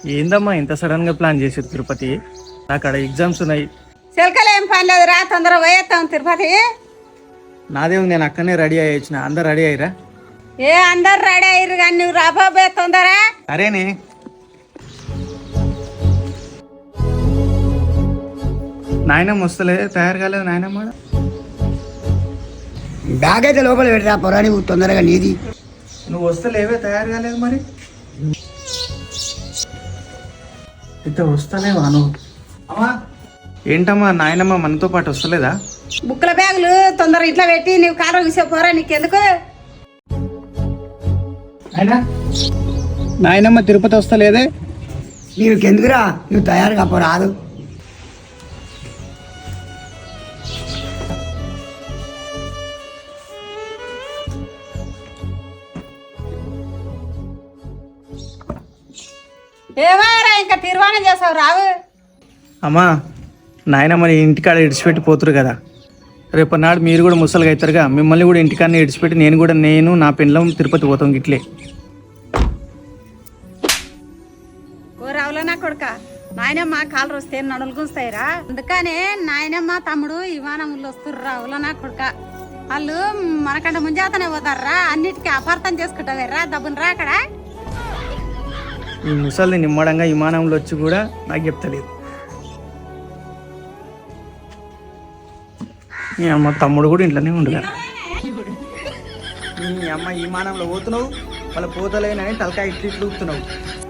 ఏందమ్మా ఇంత సడన్ గా ప్లాన్ చేసారు తిరుపతి? అక్కడ ఎగ్జామ్స్ ఉన్నాయి. చిలకలు ఏం పని లేదు రా, తొందరగా పోయేస్తాం తిరుపతి. నాదేమి, నేను అక్కడనే రెడీ అయ్యి వచ్చిన. అందరు రెడీ అయ్యిరా? ఏ అందరు రెడీ అయ్యారు కానీ నువ్వు రాబోయే తొందరా. సరేనే. నాయనమ్మ వస్తలేదు, తయారు కాలేదు నాయనమ్మ. బ్యాగ్ అయితే లోపల పెడతా పొరా, నువ్వు తొందరగా నీది. నువ్వు వస్తలేవే, తయారు కాలేదు మరి. ఇంత వస్తలేవా నువ్వు? అమ్మా ఏంటమ్మా, నాయనమ్మ మనతో పాటు వస్తలేదా? బుక్కుల బ్యాగులు తొందరగా ఇట్లా పెట్టి నువ్వు కారు విసిపోరా, నీకెందుకు? నాయనమ్మ తిరుపతి వస్తలేదే. నీకెందుకురా, నువ్వు తయారుగా పోరాదు. ఏమారా ఇంకా తీర్మానం చేసావు రావు. అమ్మా నాయనమ్మని ఇంటికాడ ఇడిచిపెట్టి పోతురు కదా, రేపన్నాడు మీరు కూడా ముసలిగా అవుతారుగా, మిమ్మల్ని కూడా ఇంటికాడనే ఇడిచిపెట్టి నేను నా పెండ్లం తిరుపతి పోతాం గిట్లే. ఓ రావులనా కొడుక, నాయనమ్మ కాలు వస్తే నడులు గుంస్తాయిరా. అందుకనే నాయనమ్మ తమ్ముడు విమానంలో వస్తుర్రు రావులనా కొడుక. వాళ్ళు మనకంటే ముంజాతనే పోతారా, అన్నిటికీ అపార్థం చేసుకుంటావేరా. దబ్బునరా అక్కడ. ఈ ముసలిని నిమ్మడంగా విమానంలో వచ్చి కూడా నాకు చెప్తలేదు. మీ అమ్మ తమ్ముడు కూడా ఇంట్లోనే ఉండగా, మీ అమ్మ విమానంలో పోతున్నావు, వాళ్ళ పోతలేనని తలకాయ ఇట్లు ఊపుతున్నావు.